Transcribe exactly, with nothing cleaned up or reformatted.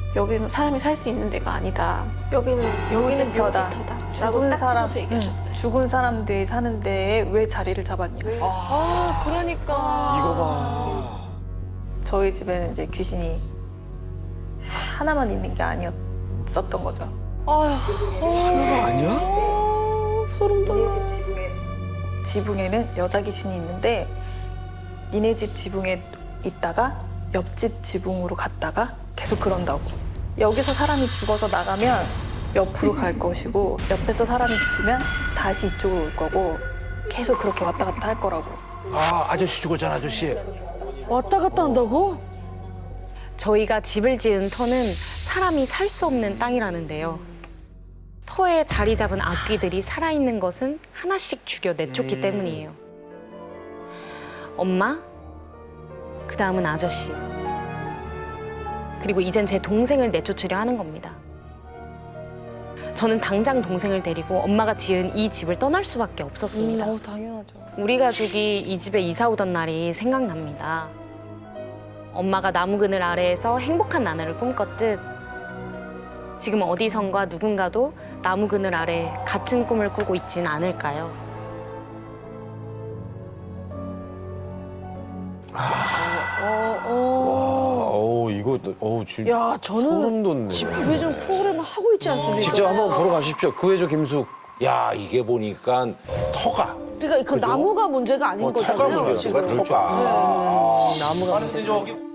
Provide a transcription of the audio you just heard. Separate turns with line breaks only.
여기는 사람이 살 수 있는 데가 아니다. 여기는 여기는
묘지터다.
묘지터다.
죽은 사람,
서 얘기하셨어요.
응. 죽은 사람들이 사는 데에 왜 자리를 잡았냐.
아, 그러니까.
이거 봐.
저희 집에는 이제 귀신이 하나만 있는 게 아니었었던 거죠.
아휴.
아니야?
소름 돋아.
지붕에는 여자 귀신이 있는데 니네 집 지붕에 있다가 옆집 지붕으로 갔다가 계속 그런다고. 여기서 사람이 죽어서 나가면 옆으로 갈 것이고 옆에서 사람이 죽으면 다시 이쪽으로 올 거고 계속 그렇게 왔다 갔다 할 거라고.
아, 아저씨 죽었잖아, 아저씨.
왔다 갔다 한다고?
저희가 집을 지은 터는 사람이 살 수 없는 땅이라는데요. 터에 자리 잡은 악귀들이 살아있는 것은 하나씩 죽여 내쫓기
음.
때문이에요. 엄마, 그 다음은 아저씨. 그리고 이젠 제 동생을 내쫓으려 하는 겁니다. 저는 당장 동생을 데리고 엄마가 지은 이 집을 떠날 수밖에 없었습니다.
음, 당연하죠.
우리 가족이 이 집에 이사 오던 날이 생각납니다. 엄마가 나무 그늘 아래에서 행복한 나날을 꿈꿨듯 지금 어디선가 누군가도 나무 그늘 아래 같은 꿈을 꾸고 있진 않을까요?
어, 어.
어우, 이거, 어우, 진짜.
야, 저는
소름 돋네.
집회전 프로그램을 하고 있지 않습니까?
직접 한번 보러 가십시오. 구해줘, 김숙.
야, 이게 보니까 터가.
그러니까 그 나무가 문제가 아닌
어, 터가
거잖아요.
문제야,
지금.
터가.
나무가 문제.